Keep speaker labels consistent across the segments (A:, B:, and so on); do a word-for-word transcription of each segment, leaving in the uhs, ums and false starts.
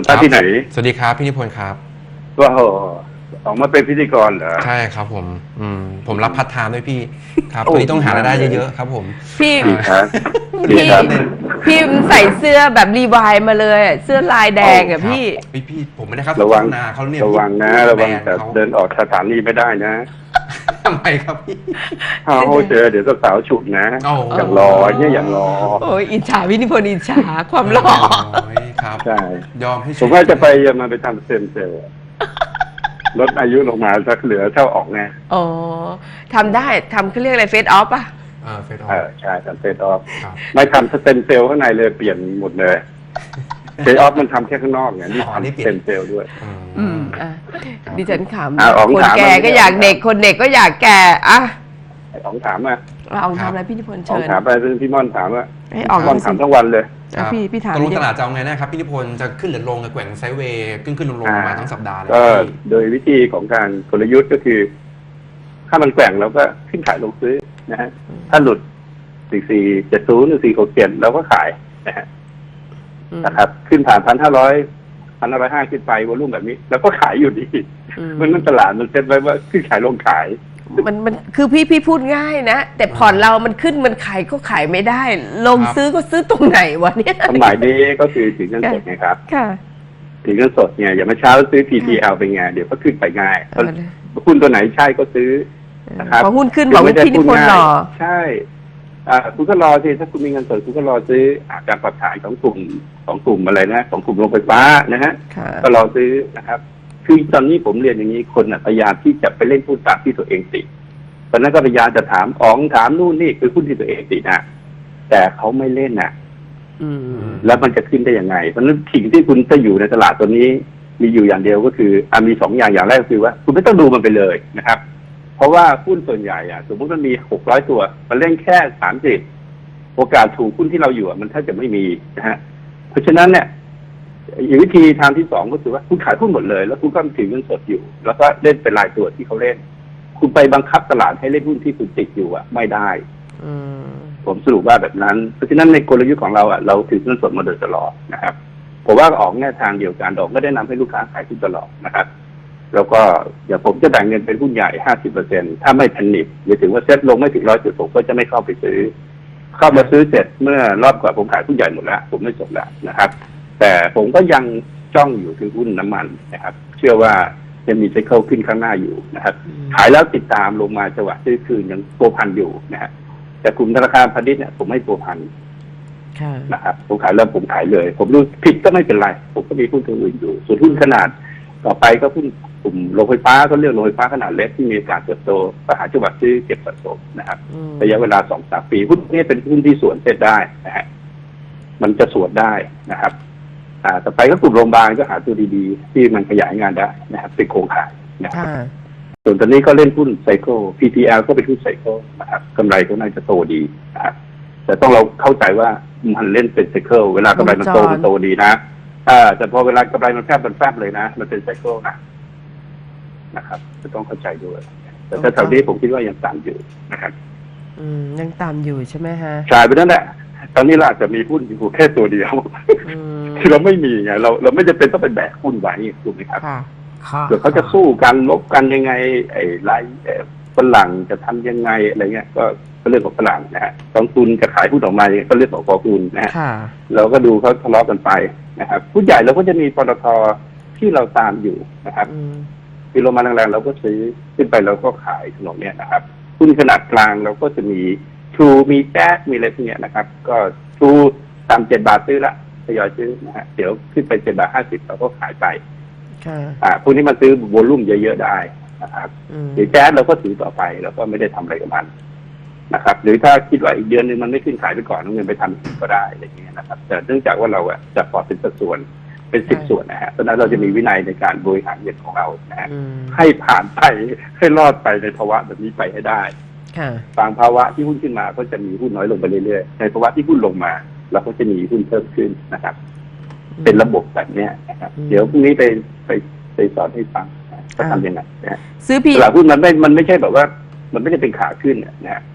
A: ครับที่ไหน
B: สวัสดีครับพี่นิพนธ์ครับ
A: ว่าออกมาเป็นพิธีกรเหรอ
B: ใช่ครับผมอืมผมรับพาร์ทไทม์ด้วยพี่ครับต
A: โอ้
B: อนนี้ต้องหารายได้
A: ดีมากเลย
B: เยอะๆครับผม
C: พี่
A: ดี
B: อ่า
A: ครับดี
C: พี่
A: ครับ
C: พี่ใส่เสื้อแบบรีวายมาเลยอะเสื้อลายแดงอะ
B: ครับ
C: พี่
B: พี่พี่ผมไม่ได้ครับ
A: ระวัง
B: โฆษณาเขาเนี่ย
A: ระวังนะ
B: พี่
A: ระวัง
B: แบรนด์
A: แต่
B: เขา
A: เดินออกสถานีไม่ได้นะ
B: ทำไมครับพี่
A: ถ้าเขาเจอเดี๋ยวสาวฉุดนะ
B: โอ้
A: อย่างรอเนี่ยอย่างรอ
C: โอ้ยอิจฉาพี่นิพนธ์อิจฉาความหล่อ
B: โอ้ยครับ
A: ใช่
B: ยอมให้
A: ผมว่าจะไปจะมาไปทำเซมเซลล์ลดอายุลงมาสักเหลือเท่าออกไง
C: อ๋อทำได้ทำเขาเรียกอะไรเฟซออฟป่ะ
B: เออเฟซออ
A: เออใช่ทำเซตออฟ
B: ครับ
A: ไม่ทำสเต็มเซลล์ข้างในเลยเปลี่ยนหมดเลยเซตออฟมันทำแค่ข้างนอกไงนี่
B: อ๋อนี่
A: ทำ
B: เปลี่
A: ส
B: ยน
A: เต็มเซลล์ด้วย
C: อืมอ่ะดิฉันข
A: อ่ะอ๋อง
C: ำคน
A: ถาม
C: แก่
A: มา
C: ก็อยาก
A: ไม่ได้
C: เด็กคนเด็กก็อยากแก่อะ
A: ไอ้อ๋องถามอ่ะ
C: เอาทำอะไรพี่นิพนธ์
A: อ๋อง
C: เชิญ
A: ถามไปเรื่องพี่ม่อนถามว่า
C: ให้ออก
A: ม่อนถามทั้งวันเลย
B: ครับ
C: พี่พี่ถาม
B: ตกลง
C: ดิ
B: ตลาดจะเอาไงนะครับพี่นิพนธ์จะขึ้นหรือลงกับแกว่งไซด์เวย์ขึ้นขึ้นลงลงมาทั้งสัปดาห์เลย
A: ก็
B: พี่
A: โดยวิธีของการกลยุทธ์ก็คือ ถ้ามันแกว่งเราก็ขึ้นขายลงซื้อนะฮะถ้าหลุดสี่สี่เจ็ดศูนย์หรือสี่หกเจ็ดเราก็ขายนะฮะ
C: อืม
A: นะครับขึ้นผ่านพันห้าร้อยพันห้าร้อยห้าขึ้นไปวอลุ่มแบบนี้ แล้วก็ขายอยู่ดี
C: อืม
A: มันนั่นตลาดมันเซ็ตไว้ว่าขึ้นขายลงขาย
C: มันมันคือพี่พี่พูดง่ายนะแต่ผ่อนเรามันขึ้นมันขายก็ขายไม่ได้ ลงซื้อก็ซื้อตรงไหนวะเนี่ย
A: ความหมายนี้ก็คือถือเงินสดไงครับ
C: ค่ะ
A: ถือเงินสดเนี่ยอย่างเมื่อเช้าซื้อ พี ที แอล เป็นไงเดี๋ยวก็ขึ้นไปง่าย
C: เอาเลย
A: หุ้นตัวไหนใช่ก็ซื้อนะครับ
C: พอหุ้นขึ้นบอกว่าพี่นิพนธ์หล่อ
A: ใช่อ่าคุณก็รอสิถ้าคุณมีเงินสดคุณก็รอซื้ออาการปรับขายของกลุ่มของกลุ่มอะไรนะของกลุ่มโรงไฟฟ้านะฮะ
C: ค่ะ
A: ก็รอซื้อนะครับ คือตอนนี้ผมเรียนอย่างนี้คนน่ะพยายามที่จะไปเล่นหุ้นตามที่ตัวเองติดตอนนั้นก็พยายามจะถามอ๋องถามนู่นนี่คือหุ้นที่ตัวเองติดนะแต่เขาไม่เล่นนะ
C: อืม
A: แล้วมันจะขึ้นได้ยังไงเพราะฉะนั้นสิ่งที่คุณจะอยู่ในตลาดตัวนี้มีอยู่อย่างเดียวก็คืออ่ะมีสองอย่างอย่างแรกก็คือว่า คุณไม่ต้องดูมันไปเลยนะครับ เพราะว่าหุ้นส่วนใหญ่อ่ะสมมติมันมีหกร้อยตัว มันเล่นแค่สามสิบโอกาสถูกหุ้นที่เราอยู่อ่ะมันแทบจะไม่มีนะฮะเพราะฉะนั้นเนี่ยอีกวิธีทางที่สองก็คือว่าคุณขายหุ้นหมดเลย แล้วคุณก็ถือเงินสดอยู่ แล้วก็เล่นเป็นรายตัวที่เขาเล่น คุณไปบังคับตลาดให้เล่นหุ้นที่คุณติดอยู่อ่ะไม่ได้
C: อืม
A: ผมสรุปว่าแบบนั้น เพราะฉะนั้นในกลยุทธ์ของเราอ่ะเราถือเงินสดมาโดยตลอดนะครับผมว่าออกแนวทางเดียวกันออกก็ได้นำให้ลูกค้าขายหุ้นตลอดนะครับ แล้วก็เดี๋ยวผมจะแบ่งเงินเป็นหุ้นใหญ่ ห้าสิบเปอร์เซ็นต์ ถ้าไม่แพนิคอย่าถึงว่าเซ็ตลงไม่ถึงร้อยจุดผมก็จะไม่เข้าไปซื้อ เข้ามาซื้อเสร็จเมื่อรอบก่อนผมขายหุ้นใหญ่หมดแล้ว ผมไม่สนแล้วนะครับ แต่ผมก็ยังจ้องอยู่คือหุ้นน้ำมันนะครับ เชื่อว่ายังมีไซเคิลขึ้นข้างหน้าอยู่นะครับ ขายแล้วติดตามลงมาจังหวะซื้อคืนยังโปรพันอยู่นะฮะแต่กลุ่มธนาคารพาณิชย์เนี่ยผมไม่โปรพัน
C: ค่ะ
A: นะครับผมขายแล้วผมขายเลย ผมรู้ผิดก็ไม่เป็นไร ผมก็มีหุ้นตัวอื่นอยู่ ส่วนหุ้นขนาด ต่อไปก็หุ้นกลุ่มโรงไฟฟ้าก็เรียกโรงไฟฟ้าขนาดเล็กที่มีโอกาสเติบโตก็หาจังหวะซื้อเก็บสะสมนะครับ
C: อืม
A: ระยะเวลาสองสามปีหุ้นนี้เป็นหุ้นที่สวนเซ็ตได้นะฮะมันจะสวนได้นะครับ อ่าต่อไปก็กลุ่มโรงพยาบาลก็หาตัวดีๆ ที่มันขยายงานได้นะครับเป็นโครงข่ายนะครับ
C: ค่ะ
A: ส่วนตอนนี้ก็เล่นหุ้นไซเคิล พี ที แอล ก็เป็นหุ้นไซเคิลนะครับกำไรก็น่าจะโตดีนะครับแต่ต้องเราเข้าใจว่ามันเล่นเป็นไซเคิลเวลากำไรมันโต
C: วงจร
A: มันโตดีนะอ่าแต่พอเวลากำไรมันแฟบมันแฟบเลยนะ มันเป็นไซเคิลนะนะครับจะต้องเข้าใจด้วยแต่ถ้าแถวนี้ผมคิดว่ายังต่ำอยู่นะครับ
C: อืมยังตามอยู่ใช่ไหมฮะ
A: ใช่ไปนั่นแหละตอนนี้เราอาจจะมีหุ้นอยู่แค่ตัวเดียว
C: อืม
A: คือเราไม่มีไงเราเราไม่จำเป็นต้องไปแบกหุ้นไว้ถูกไหมครับ
C: ค่ะค่ะ
A: เดี๋ยวเขาจะสู้กันลบกันยังไง ไอ้ไรเอ่อฝรั่งจะทำยังไงอะไรเงี้ยก็ก็เรื่องของฝรั่งนะฮะกองทุนจะขายหุ้นออกมายังไงก็เรื่องของกองทุนนะฮะ
C: ค่ะ
A: เราก็ดูเขาทะเลาะกันไปนะครับผู้ใหญ่เราก็จะมีปตทที่เราตามอยู่นะครับ
C: อืม
A: ที่ลงมาแรงๆเราก็ซื้อขึ้นไปเราก็ขายถนนเนี้ยนะครับหุ้นขนาดกลางเราก็จะมีทูมีแจ๊สมีอะไรพวกเนี้ยนะครับ ก็ทูตามเจ็ดบาทซื้อละทยอยซื้อนะฮะเดี๋ยวขึ้นไปเจ็ดบาทห้าสิบเราก็ขายไป
C: ค่ะ
A: อ่าพวกนี้มันซื้อโวลุ่มเยอะๆได้นะครับ
C: อืม
A: หรือแจ๊สเราก็ถือต่อไปแล้วก็ไม่ได้ทำอะไรกับมันนะครับ หรือถ้าคิดว่าอีกเดือนนึงมันไม่ขึ้นขายไปก่อนเอาเงินไปทำอีกก็ได้อะไรอย่างเงี้ยนะครับ แต่เนื่องจากว่าเราอะจะพอเป็นสัดส่วนเป็นสิบส่วนนะฮะเพราะฉะนั้นเราจะมีวินัยในการบริหารเงินของเรานะฮะ
C: อืม
A: ให้ผ่านไปให้รอดไปในภาวะแบบนี้ไปให้ได้
C: ค่ะ
A: บางภาวะที่หุ้นขึ้นมาก็จะมีหุ้นน้อยลงไปเรื่อยๆในภาวะที่หุ้นลงมาเราก็จะมีหุ้นเพิ่มขึ้นนะครับ เป็นระบบแบบเนี้ยนะครับ
C: อืม
A: เดี๋ยวพรุ่งนี้ไปไปไปสอนให้ฟังนะว่าทำยังไงนะฮะ
C: ซื้อพี่
A: ตลาดหุ้นมันไม่มันไม่ใช่แบบว่า มันไม่ได้เป็นขาขึ้นนะฮะ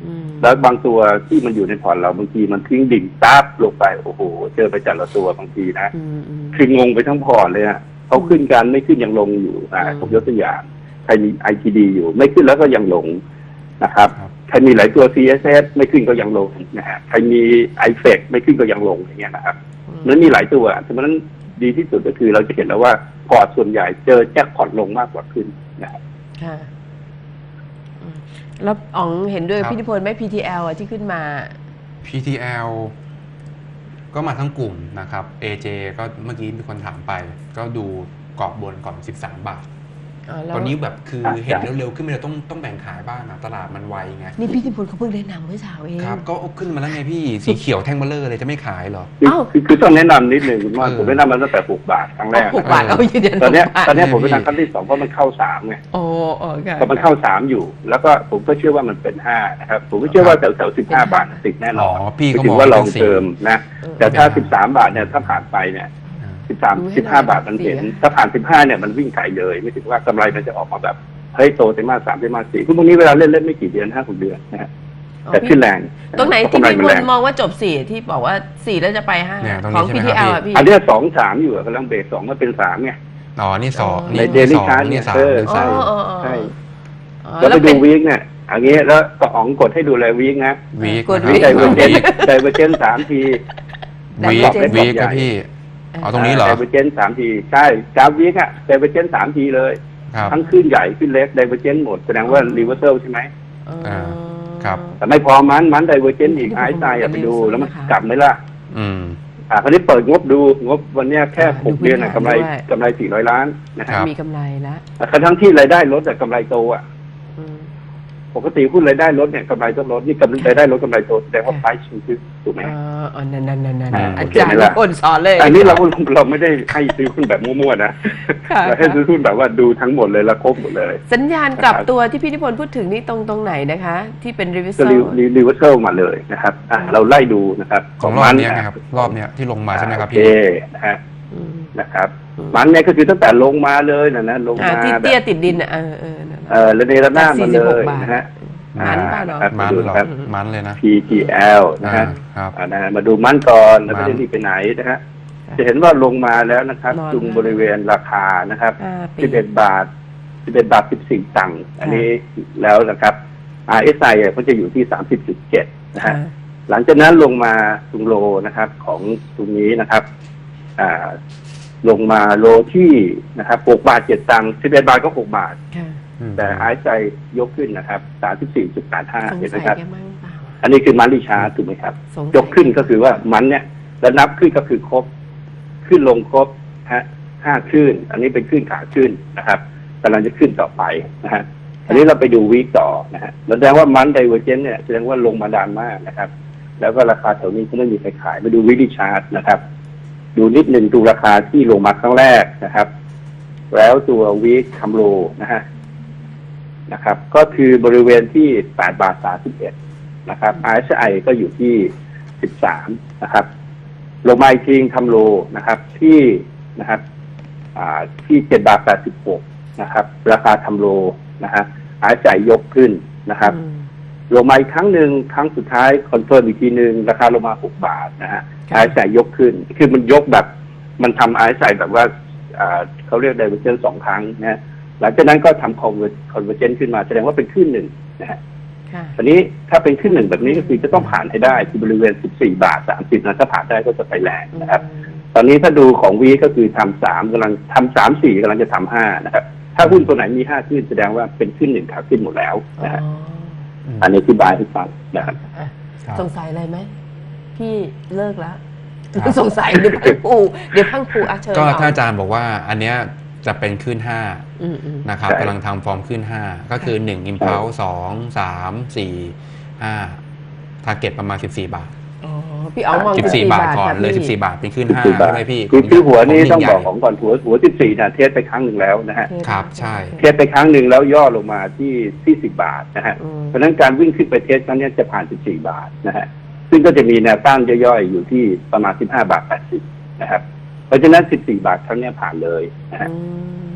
C: อืม
A: แล้วบางตัวที่มันอยู่ในพอร์ตเราบางทีมันทิ้งดิ่งตับลงไปโอ้โหเจอไปแต่ละตัวบางทีนะ
C: อืมอืม
A: คืองงไปทั้งพอร์ตเลยอะเขาขึ้นกันไม่ขึ้นยังลงอยู่อ่า
C: อืม
A: ผมยกตัวอย่างใครมี ไอ ที ดี อยู่ไม่ขึ้นแล้วก็ยังลงนะครับ
B: ครับ
A: ใครมีหลายตัว ซี เอส เอส ไม่ขึ้นก็ยังลงนะฮะใครมี ไอ เอฟ อี ซี ไม่ขึ้นก็ยังลงอย่างเงี้ยนะครับนั้นมีหลายตัวฉะนั้นดีที่สุดก็คือเราจะเห็นแล้วว่าพอร์ตส่วนใหญ่เจอแจ็คพอตลงมากกว่าขึ้นนะครับ
C: ค่ะอืมแล้วอ๋องเห็นด้วย
B: ครับ
C: พี่นิพนธ์ไหม พี ที แอล อ่ะที่ขึ้นมา
B: พี ที แอล ก็มาทั้งกลุ่มนะครับ เอ เจ ก็เมื่อกี้มีคนถามไป ก็ดูกรอบบนก่อนสิบสามบาท
C: อ๋อแล้ว
B: ตอนนี้แบบคือ
A: ครับ
B: เห็นเร็วๆขึ้นไปเลยต้องต้องแบ่งขายบ้างนะตลาดมันไวไง
C: นี่พี่นิพนธ์เขาเพิ่งแนะนำเมื่อเช้าเอง
B: ครับ ก็ขึ้นมาแล้วไงพี่ สีเขียวแท่งเบลเลอร์เลยจะไม่ขายเหรอ
A: คือ
C: เอ้า
A: คือคือต้องแนะนำนิดหนึ่งคุณว่า
B: เออ
A: ผมแนะนำมันตั้งแต่หกบาทครั้งแรก
C: หกบาทเอายืนยัน
A: ตอนเนี้ย
C: หกบาท
A: ตอนเนี้ยผม
B: เนี่
A: ไป
B: ยพี่
A: ทำครั้งที่สองเพราะมันเข้าสามไง
C: โอ้โอ้ค่ะ
A: พอมันเข้าสามอยู่ แล้วก็ผมก็เชื่อว่ามันเป็นห้านะครับผมก็เชื่อว่าแถวแถวสิบห้าบาทติดแน่น
B: อ๋
A: อ
B: อน พี่ก็
A: ถื
B: มอง
A: ว่าล
B: ว่า
A: อง
B: เป็นสี
A: เติมนะ
C: เออ
A: แต่ถ้าสิบสามบาทเนี่ยถ้าผ่านไปเนี่ย
B: อ่า
A: สิบสาม
C: ดูให้
A: สิบห้า
C: หน่อย
A: บาทมันเห็น
C: เสีย
A: ถ้าผ่านสิบห้าเนี่ยมันวิ่งขายเลย ไม่ถึงว่ากำไรมันจะออกมาแบบเฮ้ยโตไตรมาสสามไตรมาสสี่พวกนี้เวลาเล่นเล่นไม่กี่เดือนห้าหกเดือนนะฮะ
C: อ๋อ
A: แต่
C: พี่
A: ขึ้นแรง
C: ตรงไหน
A: เพาะ
C: ที่
A: กำไร
C: พี่
A: มัน
C: พ
A: แร
C: ล
A: ง
C: มองว่าจบสี่ที่บอกว่าสี่แล้วจะไปห้า
B: เนี่ยตรงนี้
C: ของ
B: ใช่ไหม
C: พี ที แอล
B: ครับ
C: อ่ะพี่
A: อันเนี้ยสองสามอยู่อะกำลังเบรกสองก็เป็นสามไง
B: อ๋อ นี่สอง
A: ใน
B: นี่
A: daily
B: สอง
A: chart
B: นี่สาม
A: เออ
B: เป็น
C: อ๋อ
B: สาม
C: อ๋ออ๋อ
A: ใช่
C: อ๋อ
A: แล้วไป
C: เป็
A: ดู
C: น
A: วีคเนี่ยอันนี้แล้วก็อ๋องกดให้ดูเลยวีคนะ
B: วีค
C: กด
B: นะ
C: วีค
A: ได
B: ค
A: เวอ
B: รับ
A: ร์เจนไดเวอร์เจนสามที
B: วีค
C: Divergence
B: วีคครับพี่ อ๋อ ตรงนี้เหรอ
A: ไดเวอร์เจนสามทีใช่กราฟวีคอะไดเวอร์เจนสามทีเลย
B: ครับ
A: ทั้งขึ้นใหญ่ขึ้นเล็กไดเวอร์เจนหมดแสดงว่ารีเวอร์เซลใช่ไหม
C: อ๋อ
B: อ่าครับ
A: แต่ไม่พอมันมันไดเวอร์เจนอีก
C: ที่
A: ไอ
C: ผม
A: ซ์ไซด์อะไปดู
C: reversal
A: แล้วมัน
C: นะคะ
A: กลับไหมล่ะ
B: อืม
A: อ่าคราวนี้เปิดงบดูงบวันเนี้ยแค่
C: อ่า
A: หก
C: ดู
A: เดือนอะ
C: พื้
A: กำ
C: น
A: ไร
C: ฐานด้วย
A: กำไรสี่ร้อยล้านนะ
B: ครั
A: ฮะ
B: บ
C: มีกำไรแล้ว
A: ทั้งที่รายได้ลดแต่กำไรโตอะ
C: อืม
A: ปกติหุ้นรายได้ลดเนี่ยกำไรต้องลดนี่กำไรรายได้ลดกำไรโตแสดงว่า
C: ค่ะ
A: ไพรซ์คือถูกไหม
C: อ๋ออ๋อนั่นนั่นนั่นนั่น
A: อ่า
C: อาจารย์
A: โอเคไหมล่ะ
C: นิพนธ์สอนเลย
A: อันนี้เราเราไม่ได้ให้ซื้อหุ้นแบบมั่วๆนะ
C: ค่ะ
A: เราให้ซื้อหุ้นแบบว่าดูทั้งหมดเลยแล้วครบหมดเลย
C: สัญญาณกลับตัวที่พี่นิพนธ์พูดถึงนี่ตรงตรงไหนนะคะ ที่เป็นรีวิว
A: ก็
C: เซ
A: รี
C: ล
A: รีรีเวอร์เซลมาเลยนะครับอ่ะเราไล่ดูนะครับ
B: ของรอบเนี้ยนะครับ รอบเนี้ยที่ลงมาใช่ไหมครับ
A: โอเค
B: พี่
A: นะฮะนะครับ มันเนี่ยก็คือตั้งแต่ลงมาเลยนะนะลง
C: อ่า
A: มา
C: ที่
A: แบ
C: เตี้ย
A: บ
C: ติดดินอ่ะเออเออนั่นน่ะ
A: เออระเนระนาดมาเล
C: จากสี่สิบหก
A: ย
C: บาท
A: นะฮะ
C: มันเปล่าเนอะ
A: ครับ
B: มัน
A: ดู
B: เหรอ
A: ครับ
B: มันเลยนะ
A: พี ที แอล นะฮะ
B: อ่าครับ
A: อ่านะฮะมาดูมันก่อนแล้ว
B: มั
A: ไม่
B: น
A: ได้รีบไปไหนนะฮะจะเห็นว่าลงมาแล้วนะครับ
C: นอน
A: จุงบริเวณราคานะครับ
C: ห้าปี
A: สิบเอ็ดบาทสิบเอ็ดบาทสิบสี่ตังค์อันนี้แล้วนะครับ อาร์ เอส ไอ ก็จะอยู่ที่สามสิบจุดเจ็ดนะฮะ
C: อ่า
A: หลังจากนั้นลงมาตรงโลนะครับ ของตรงนี้นะครับ อ่า ลงมาโลที่นะครับหกบาทเจ็ดตังค์สิบเอ็ดบาทก็หกบาท
C: ค่ะ
B: อืม
A: แต่ไอซ์ใจยกขึ้นนะครับสามสิบสี่จุดแปดห้า
C: สง
A: เห็นไหม
C: สัย
A: ครับ
C: แกมั่งเปล่า
A: อันนี้คือมันลิชาร์ถูกไหมครับ
C: สงสั
A: ยกขึ้นก็คือว่ามันเนี่ยแล้วนับขึ้นก็คือครบ ขึ้นลงครบฮะห้าขึ้น อันนี้เป็นขึ้นขาขึ้นนะครับกำลังจะขึ้นต่อไปนะฮะ อันนี้เราไปดูวีคต่อนะฮะแสดงว่ามันไดเวอร์เจนเนี่ยแสดงว่าลงมาดานมากนะครับ แล้วก็ราคาแถวนี้ก็ไม่มีใครขายมาดูวิดิชาร์ตนะครับ ดูนิดหนึ่งดูราคาที่ลงมาครั้งแรกนะครับ แล้วตัววีคคัมโลนะฮะนะครับ ก็คือบริเวณที่แปดบาทสามสิบเอ็ดนะครับ อาร์ เอส ไอ ก็อยู่ที่สิบสามนะครับลงมาอีกทีคัมโลนะครับ ที่นะครับ อ่าที่เจ็ดบาทแปดสิบหกนะครับ ราคาทำโลนะฮะอาร์ เอส ไอ ยกขึ้นนะครับ
C: อืม
A: ลงมาอีกครั้งหนึ่งครั้งสุดท้ายคอนเฟิร์มอีกทีหนึ่งราคาลงมาหกบาทนะฮะ
C: ค่ะ
A: อาร์ เอส ไอ ยกขึ้น คือมันยกแบบ มันทำ อาร์ เอส ไอ แบบว่าอ่าเขาเรียก divergence สองครั้งนะฮะหลังจากนั้นก็ทำ convergence ขึ้นมาแสดงว่าเป็นขึ้นหนึ่งนะฮะ
C: ค่ะ
A: ตอนนี้ถ้าเป็นขึ้นหนึ่งแบบนี้ก็คือจะต้องผ่านให้ได้ที่บริเวณสิบสี่บาทสามสิบนะถ้าผ่านได้ก็จะไปแรงนะครับ ตอนนี้ถ้าดูของวีก็คือทำสามกำลังทำสามสี่กำลังจะทำห้านะครับ ถ้าหุ้นตัวไหนมีห้าขึ้นแสดงว่าเป็นขึ้นหนึ่งขาขึ้นหมดแล้ว
C: อ๋อ
A: นะฮะอันนี้อธิบายให้ฟังนะครับ
C: อ่ะ
B: ครับ
C: สงสัยอะไรไหมพี่เลิกแล้ว
B: ครับ
C: สงสัยเดี๋ยวพังปูเดี๋ยวพังปูอาเชิญ
B: ก็
C: เ
B: ถ้าอาจารย์บอกว่าอันเนี้ยจะเป็นขึ้นห้า
C: อืมอืม
B: นะครับ
A: ใช่
B: กำลังทำฟอร์มขึ้นห้าก็คือหนึ่งอิมพัลสองสามสี่ห้าทาร์เก็ตประมาณสิบสี่บาท
C: อ๋อพี่อ๋องมอง
B: สิบสี่บาทก่อน
C: ค่ะ
B: เลย
C: พี่
B: สิบสี่บาทเป็นขึ้นห้า
A: สิบสี่บาท
B: ใช่ไหมพี่
A: คือคือหัวนี้
B: ข
A: ต้อง
B: ใหญ่
A: บอกของก่อนหัวหัวสิบสี่นะเทสไปครั้งหนึ่งแล้วนะฮะ
B: ครับใช่
A: เทสไปครั้งหนึ่งแล้วย่อลงมาที่ที่สิบบาทนะฮะ
C: อืม
A: เพราะฉะนั้นการวิ่งขึ้นไปเทสครั้งนี้จะผ่านสิบสี่บาทนะฮะซึ่งก็จะมีแนวต้านย่อยๆอยู่ที่ประมาณสิบห้าบาทแปดสิบนะครับเพราะฉะนั้นสิบสี่บาทครั้งนี้ผ่านเลยนะฮะ
C: อืม
A: พ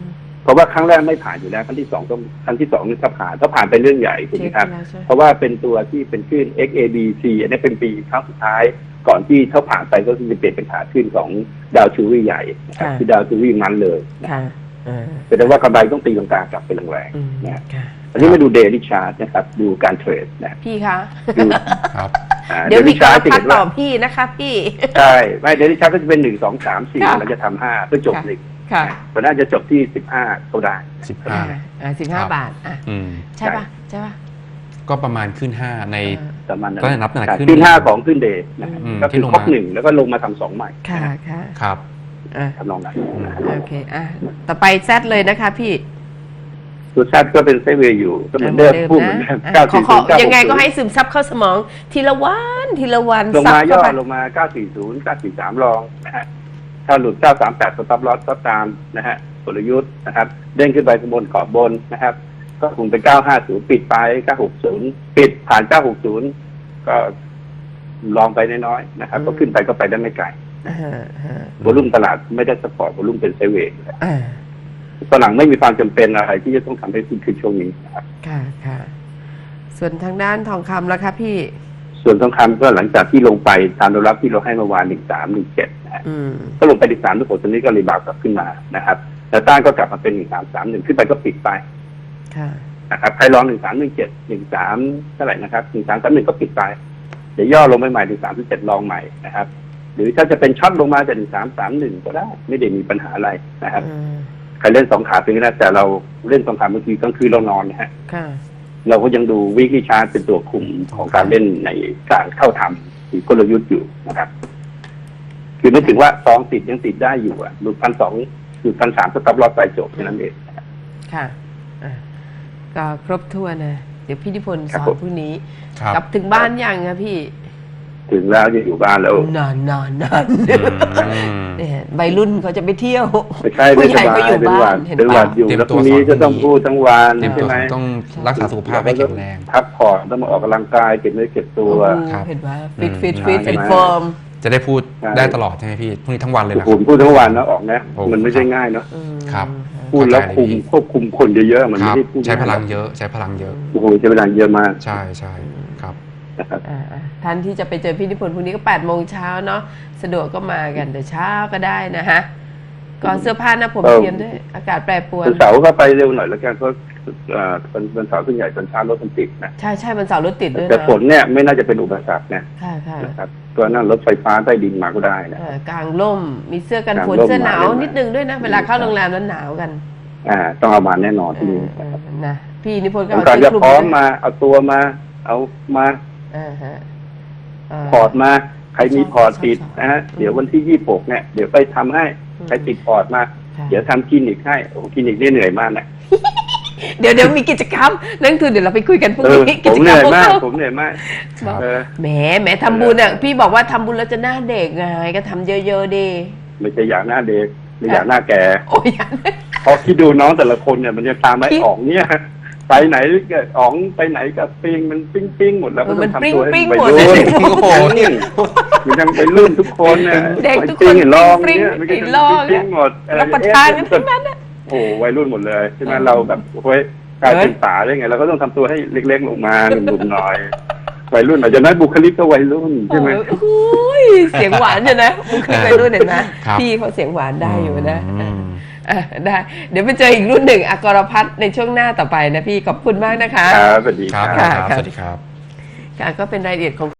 A: เพราะว่าครั้งแรกไม่ผ่านอยู่แล้วครั้งที่สองต้องครั้งที่สองนี่ถ้าผ่านถ้าผ่านเป็นเรื่องใหญ่ถูกไหมครับ
C: เช็คแล้วใช่ไหม
A: เพราะว่าเป็นตัวที่เป็นคลื่น X A B C อันนี้เป็นปีครั้งสุดท้าย ก่อนที่เขาผ่านไปก็คือจะเปลี่ยนเป็นขาขึ้นของดาวชูรี่ใหญ่นะครับ
C: ค่ะ
A: คือดาวชูรี่มันเลยนะ
C: ค่ะอ่า
A: แสดงว่ากำไรต้องตีลังกากลับไปแรง
C: อืม
A: ๆนะ
C: ค่ะ
A: อันนี้มาดูเดลิชาร์ตนะครับดูการเทรดนะ
C: พี่คะ
A: ดู
B: ครับ
A: อ่า
C: เดี๋ยวมี
A: daily
C: กรา
A: chart
C: ฟ
A: จะ
C: พั
A: เห็
C: ด
A: น
C: ต่
A: ว่า
C: อพี่นะคะพี่
A: ใช่ไม่เดลิชาร์ตก็จะเป็นหนึ่งสองสามสี่
C: ค่ะ
A: เราจะทำห้าเพื่อจบ
C: ค่ะ
A: หนึ่ง
C: ค่ะ
A: มันน่าจะจบที่สิบห้าก็ได้
B: สิบห้า
C: อ่าอ่าสิบห้า
B: ครับ
C: บาทอ่ะ
B: อืม
C: ใช่ปะใช่ปะ
B: ก็ประมาณขึ้นห้าใน
C: อ่า
A: ประมาณนั้น
B: ก็นับตั้งแต่
A: ใช่
B: ขึ้น
A: ขึ้นห้าของขึ้นเดย์นะครับ
B: อืม
A: ก็คือ
B: ที่ลง
A: ครบ
B: มา
A: หนึ่งแล้วก็ลงมาทำสองใหม่
C: ค่ะค่ะ
B: ครับ
C: อ่ะ
A: ทำนองนั้นนะ
C: โอเคอ่ะต่อไปแซดเลยนะคะพี่
A: ตัวแซดก็เป็นไซด์เวย์อยู่ก็เหมือนเดิมพูดเหมือนเดิม
C: อ่ะ
A: เก้า
C: ขอ
A: สี่
C: ข
A: ศู
C: อน
A: ย์เก้า
C: ยังไงก็
A: หกศูนย์
C: ให้ซึมซับเข้าสมอง ทีละวันทีละวัน
A: ลง
C: ซับ
A: มาย่
C: เข้า
A: อ
C: ไป
A: ลงมาเก้าสี่ศูนย์ เก้าสี่สามลองนะฮะถ้าหลุดเก้าสามแปดสต็อปลอสก็ตามนะฮะกลยุทธ์นะครับเด้งขึ้นไปข้างบนขอบบนนะครับ ก็คงเป็นเก้าห้าศูนย์ปิดไปเก้าหกศูนย์ปิดผ่านเก้าหกศูนย์ก็ลองไปน้อยๆนะครับก็ขึ้นไปก็ไปได้ไม่ไกล
C: อ่าฮะ
A: วอลุ่มตลาดไม่ได้สปอร์ตวอลุ่มเป็นไซด์เวย์
C: อ่า
A: ฝรั่งไม่มีความจำเป็นอะไรที่จะต้องทำให้ขึ้นขึ้นช่วงนี้นะครับ
C: ค่ะค่ะส่วนทางด้านทองคำแล้วครับพี่
A: ส่วนทองคำก็หลังจากที่ลงไปตามแนวรับที่เราให้เมื่อวานหนึ่งสามหนึ่งเจ็ดนะฮะ
C: อืม
A: ก็ลงไปหนึ่งสามทุกคนตอนนี้ก็รีบาวด์กลับขึ้นมานะครับแต่ต้านก็กลับมาเป็นหนึ่งสามสามหนึ่งขึ้นไปก็ปิดไป
C: ค่ะ
A: นะครับใครลองหนึ่งสามหนึ่งเจ็ดหนึ่งสามเท่าไหร่นะครับหนึ่งสามสามหนึ่งก็ปิดไปเดี๋ยวย่อลงไปใหม่หนึ่งสามเจ็ดลองใหม่นะครับ หรือถ้าจะเป็นช็อตลงมาจากหนึ่งสามสามหนึ่งก็ได้ ไม่ได้มีปัญหาอะไรนะครับ
C: อืม
A: ใครเล่นสองขาเป็นก็ได้แต่เราเล่นสองขาบางทีกลางคืนเรานอนนะฮะ
C: ค่ะ
A: เราก็ยังดูวิกฤตชาร์ตเป็นตัวคุมของการเล่นในการเข้าทำหรือกลยุทธ์อยู่นะครับ คือไม่ถึงว่าซองติดยังติดได้อยู่อ่ะหลุดพันสองหลุดพันสามสต็อปลอสไปจบแค่นั้นเอง
C: ค่ะอ่ะก็ครบถ้วนนะเดี๋ยวพี่นิพนธ์
A: ครั
C: ส
A: บ
C: อน
A: ผม
C: พรุ่งนี้
B: ครับ
C: กลับถึงบ้านยังครับพี่
A: ถึงแล้วจะอยู่บ้านแล้ว
C: นานนานนาน
B: อืม
C: เนี่ยวัยรุ่นเขาจะไปเที่ยว
A: ไม่ใช่
C: ผู้
A: ไม่
C: ให
A: ส
C: ญ่
A: บา
C: ก็
A: ย
C: อยู่
A: เป็นห
C: บ้า
A: วัน ด
C: เห็น
A: เป็นหวั
C: ปะ
A: ดอยู่
B: เตรียม
A: แล้วพ
B: ตัว
A: รุ่งนี้
B: สอน
A: จะต้อง
B: พรุ่งนี้
A: พูดทั้งวัน
B: เตรียม
A: ใช่
B: ตัว
A: ไหม
B: ต้องรักษาสุขภาพให้แข็งแรง
A: พักผ่อนต้องมาออกกำลังกายเก็บเนื้อเก็บตัว
C: โอ้โห
B: ครับ
C: เห็นว่าฟิต
B: อืม
C: ฟิตฟิต
A: ใช่
C: ฟิต
A: ไหม
C: ฟอร์ม
B: จะได้พูด
A: ใช่
B: ได้ตลอดใช่ไหมพี่พรุ่งนี้ทั้งวันเลยนะค
A: ผ
B: รับ
A: มพูดทั้งวันนะออกนะ
B: โอ้
A: มันไม่ใช่ง่ายเนาะ
B: ครับ
A: พูดแล้วคุมควบคุมคนเยอะๆมัน
B: ค
A: ไม่
B: รับ
A: ได้พูด
B: ใช้พลัง
A: ง่าย
B: เยอะใช้พลังเยอะ
A: โอ้โหใช้พลังเยอะมาก
B: ใช่ใช่ครับ
A: นะครับ
C: อ่าๆท่านที่จะไปเจอพี่นิพนธ์พรุ่งนี้ก็แปดโมงเช้าเนาะสะดวกก็มากันแต่เช้าก็ได้นะฮะก่อนเสื้อผ้าหนะผม
A: เออ
C: เตรียมด้วย อากาศแปรปรวน
A: วันเสาร์ก็ไปเร็วหน่อยแล้วกันเพราะเอ่อวันวันเสาร์ส่วนใหญ่ตอนเช้ารถมันติดนะ
C: ใช่ใช่มันเสาร์รถติดด้วย
A: แต่
C: นะ
A: ฝนเนี่ยไม่น่าจะเป็นอุปสรรคนะ
C: ค่ะค่ะ
A: นะครับก็นั่งรถไฟฟ้าใต้ดินมาก็ได้นะ
C: เอ่อกลางร่มมีเสื้อกันฝน
A: กลางร่ม
C: เสื้อหนาว
A: มาได้ไหม
C: นิดนึงด้วยนะ เวลาเข้าโรงแรมแล้วหนาวกัน
A: อ่าต้องเอามาแน่นอน
C: เอ
A: ที่นี่
C: อเออนะพี่นิพนธ์ก็
A: ต้อง
C: เอา
A: การ
C: เสื้
A: จะ
C: อคลุม
A: พร้อม
C: ด้วย
A: มาเอาตัวมาเอามา
C: อ่าฮะเ
A: พอร์ตมาใครมีพอร์ตติด
C: ชอบ
A: นะฮะ
C: ชอบ
A: เดี๋ยววันที่ยี่สิบหกเนี่ยเดี๋ยวไปทำให้
C: อืม
A: ใครติดพอร์ตมา
C: ค่ะ
A: เดี๋ยวทำคลินิกให้โอ้คลินิกนี่เหนื่อยมากนะ
C: เดี๋ยวเดี๋ยวมีกิจกรรมนักลงทุนเดี๋ยวเราไปคุยกันพรุ่ง
A: เออ
C: นี้
A: ผ
C: กิ
A: ม
C: จ
A: เห
C: กรร
A: นื่
C: ม
A: อยมาก
C: พว
A: ผมเหนื่อยมาก
B: ครับ
A: เออ
C: แหมแหมทำบุญอ่ะพี่บอกว่าทำบุญแล้วจะหน้าเด็กไงก็ทำเยอะๆดี
A: ไม่ใช่อยากหน้าเด็กไม่อยากหน้าแก่
C: โอ้ยอย่า
A: เพราะที่ดูน้องแต่ละคนเนี่ยมันจะตามไอ้
C: คิด
A: อ๋องเนี่ยไปไหนก็อ๋องไปไหนก็ปิงมันปิ้งปิ้งหมดแล้วก็
C: มั
A: ต้อง
C: น
A: ทำตัวให้
C: ปิ้ง
A: ไป
C: ๆหมด
A: รุ่น
C: เลย
B: โอ้โห
A: มันยังไปรุ่นทุกคนเนี่ย
C: เด็กทุกคน
A: ไปปิ้งเห็นลอง
C: ปิ้ง
A: เนี่ยมันก็
C: ปิ้ง
A: จะ
C: ลอง
A: ปิ้งหมดเออ
C: รับประทานกันทั้งนั้นอ่ะ
A: โอ้โหวัยรุ่นหมดเลยใช่ไหม
C: เออ
A: เราแบบโอ้ยกลายเป็น
C: เฮ้ย
A: สาได้ไงเราก็ต้องทำตัวให้เล็กๆลงมาหนุ่มๆหน่อยวัยรุ่นอาจจะนั้นบุคลิกก็วัยรุ่นใช่ไหม
C: โอ้ยเสียงหวานอยู่นะมุกขึ้นไปรุ่นเห็นไหม
B: ครับ
C: พี่เขาเสียงหวานได้อยู่นะ
B: อืม
C: อ่ะได้ เดี๋ยวไปเจออีกรุ่นหนึ่งอากรพัฒน์ในช่วงหน้าต่อไปนะพี่ขอบคุณมากนะคะ
A: ครับสวัสดี
B: ครับ
A: ครับ
B: ครับ สวัสดีครับ
C: ค่ะก็เป็นรายละเอียดของ